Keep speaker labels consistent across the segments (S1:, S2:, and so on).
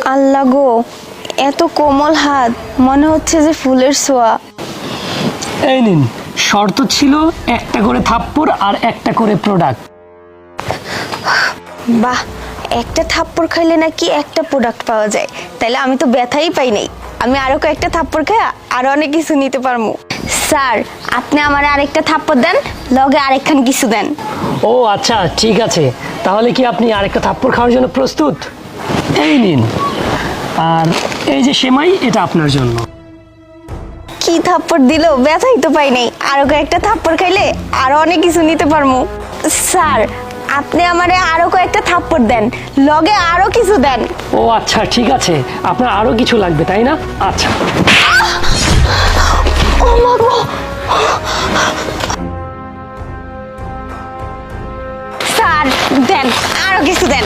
S1: আল্লাহ গো, এত কোমল হাত, মনে হচ্ছে যে ফুলের ছোঁয়া।
S2: এই নিন, শর্ত ছিল একটা করে থাপ্পড় আর একটা করে প্রোডাক্ট।
S1: বাহ, একটা থাপ্পড় খাইলে নাকি একটা প্রোডাক্ট পাওয়া যায়, তাইলে আমি তো ব্যথাই পাই নাই। আমি আরো কয়েকটা থাপ্পড় খাই আরো অনেক কিছু নিতে পারবো। স্যার, আপনি আমার আরেকটা থাপ্পড় দেন, লগে আরেকখান কিছু দেন।
S2: ও আচ্ছা, ঠিক আছে। তাহলে কি আপনি আরেকটা থাপ্পড় খাওয়ার জন্য প্রস্তুত? এই নিন, আর এই যে সেমাই, এটা আপনার জন্য।
S1: কি থাপ্পড় দিল, ব্যথাই তো পাই নাই। আরো কয়েকটা থাপ্পড় খাইলে আরো অনেক কিছু নিতে পারবো। স্যার, আপনি আমারে আরো কয়েকটা থাপ্পড় দেন, লগে আরো কিছু দেন।
S2: ও আচ্ছা, ঠিক আছে। আপনার আরো কিছু লাগবে তাই না? আচ্ছা।
S1: ও মা গো! স্যার, দেন আরো কিছু দেন।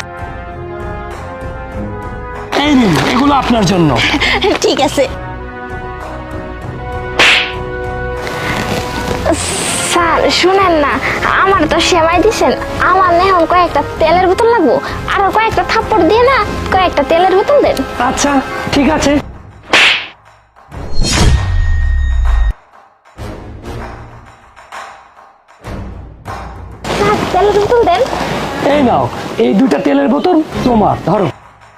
S2: এই নিন, এগুলো আপনার জন্য।
S1: ঠিক আছে।
S3: স্যার শুনেন না, আমার তো সেমাই দিছেন, আমার না এখন কয়েকটা তেলের বোতল লাগবো। আরো কয়েকটা থাপ্পড় দিয়ে না কয়েকটা তেলের বোতল দেন।
S2: আচ্ছা, ঠিক আছে।
S3: স্যার, তেলের বোতল দেন।
S2: এই নাও, এই দুটা তেলের বোতল তোমার, ধরো।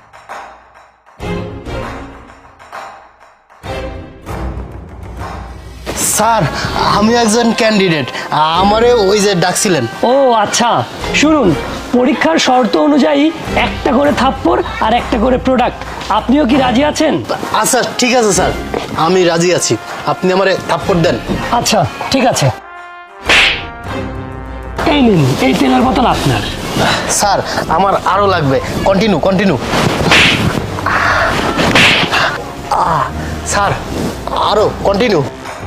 S4: স্যার, আমি একজন ক্যান্ডিডেট, আমারে ওই যে ডাকছিলেন।
S2: ও আচ্ছা, শুনুন, পরীক্ষার শর্ত অনুযায়ী একটা করে থাপ্পড় আর একটা করে প্রোডাক্ট। আপনিও কি রাজি আছেন?
S4: আচ্ছা ঠিক আছে স্যার, আমি রাজি আছি। আপনি আমারে থাপ্পড় দেন।
S2: আচ্ছা, ঠিক আছে। এই নিন, এই তেলের বোতল আপনার।
S4: স্যার, আমার আরো লাগবে। Continue continue. স্যার, আরো কন্টিনিউ।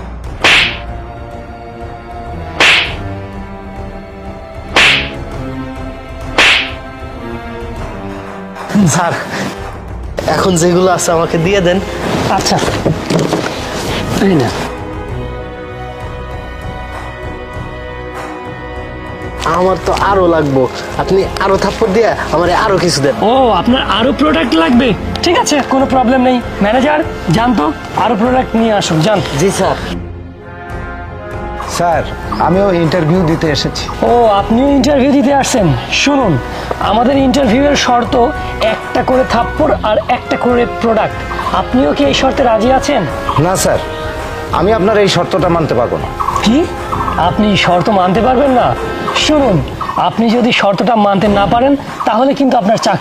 S4: স্যার, এখন যেগুলো আছে আমাকে দিয়ে দেন।
S2: আচ্ছা, এই না।
S4: আমার তো আরো লাগবো, আপনি আরো থাপ্পড় দিয়ে আমারে আরো কিছু দেন।
S2: ও, আপনার আরো প্রোডাক্ট লাগবে? ঠিক আছে, কোনো প্রবলেম নেই। ম্যানেজার, যান তো, আরো প্রোডাক্ট নিয়ে আসুন, যান।
S4: জি স্যার।
S5: স্যার, আমিও ইন্টারভিউ দিতে এসেছি।
S2: ও, আপনিও ইন্টারভিউ দিতে আসছেন? শুনুন, আমাদের ইন্টারভিউয়ের শর্ত একটা করে থাপ্পড় আর একটা করে প্রোডাক্ট। আপনিও কি এই শর্তে রাজি আছেন?
S5: না স্যার, আমি আপনার এই শর্তটা মানতে পারবো না।
S2: কি? আপনি শর্ত মানতে পারবেন না? শুনুন, আপনি যদি শর্তটা মানতে না পারেন, তাহলে কিন্তু আপনার চাকরি